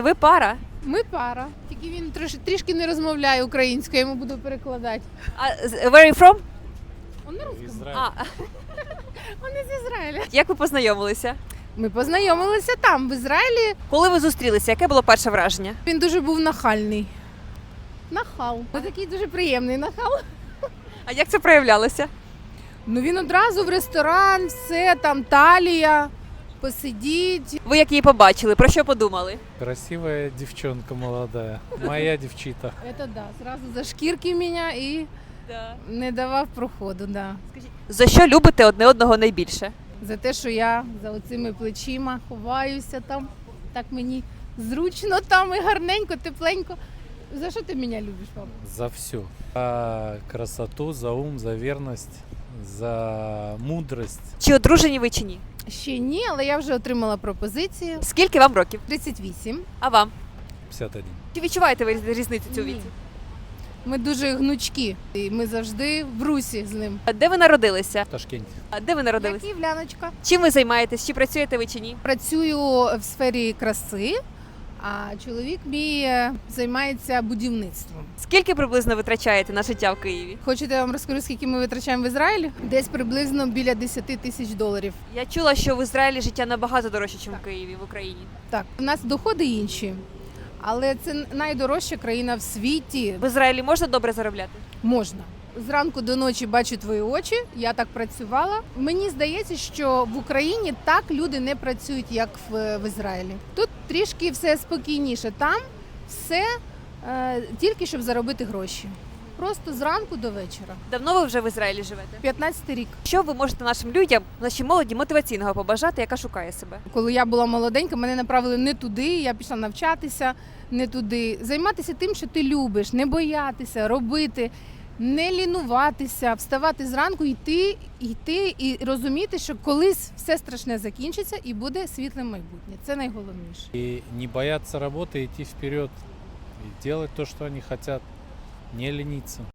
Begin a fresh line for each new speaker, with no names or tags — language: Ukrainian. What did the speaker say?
Ви пара?
Ми пара. Тільки він трішки не розмовляє українською, я йому буду перекладати.
Where are you from?
Он на русском.
Израиль.
Он із Ізраїля.
Як ви познайомилися?
Ми познайомилися там, в Ізраїлі.
Коли ви зустрілися, яке було перше враження?
Він дуже був нахальний. Нахал. Ось такий дуже приємний нахал.
А як це проявлялося?
Ну він одразу в ресторан, все, там талія, посидіть.
Ви як її побачили? Про що подумали?
Красивая девчонка молодая. Моя девчита.
Це да, зразу за шкірки мене і не давав проходу, да.
За що любите одне одного найбільше?
За те, що я за оцими плечима ховаюся там, так мені зручно там і гарненько, тепленько. За що ти мене любиш, папа?
За все. За красоту, за ум, за верность, за мудрость.
Чи одружені ви чи ні?
Ще ні, але я вже отримала пропозицію.
Скільки вам років?
38.
А вам?
51.
Чи відчуваєте ви різницю цю
Ні.
віці?
Ми дуже гнучкі, і ми завжди в русі з ним.
А де ви народилися?
В Ташкенте.
А де ви
Я
народилися?
київляночка.
Чим ви займаєтесь? Чи працюєте ви чи ні?
Працюю в сфері краси, а чоловік мій займається будівництвом.
Скільки приблизно витрачаєте на життя в Києві?
Хочете, я вам розкажу, скільки ми витрачаємо в Ізраїлі? Десь приблизно біля 10 тисяч доларів.
Я чула, що в Ізраїлі життя набагато дорожче, ніж в Києві, в Україні.
Так, у нас доходи інші, але це найдорожча країна в світі.
В Ізраїлі можна добре заробляти?
Можна. Зранку до ночі бачу твої очі, я так працювала. Мені здається, що в Україні так люди не працюють, як в Ізраїлі. Тут трішки все спокійніше. Там все тільки щоб заробити гроші. Просто зранку до вечора.
Давно ви вже в Ізраїлі живете?
15-й рік.
Що ви можете нашим людям, нашій молоді мотиваційного побажати, яка шукає себе?
Коли я була молоденька, мене направили не туди, я пішла навчатися не туди. Займатися тим, що ти любиш, не боятися, робити, не лінуватися, вставати зранку, йти і розуміти, що колись все страшне закінчиться і буде світле майбутнє. Це найголовніше.
И не бояться работы, идти вперед. И делать то, что они хотят. Не лениться.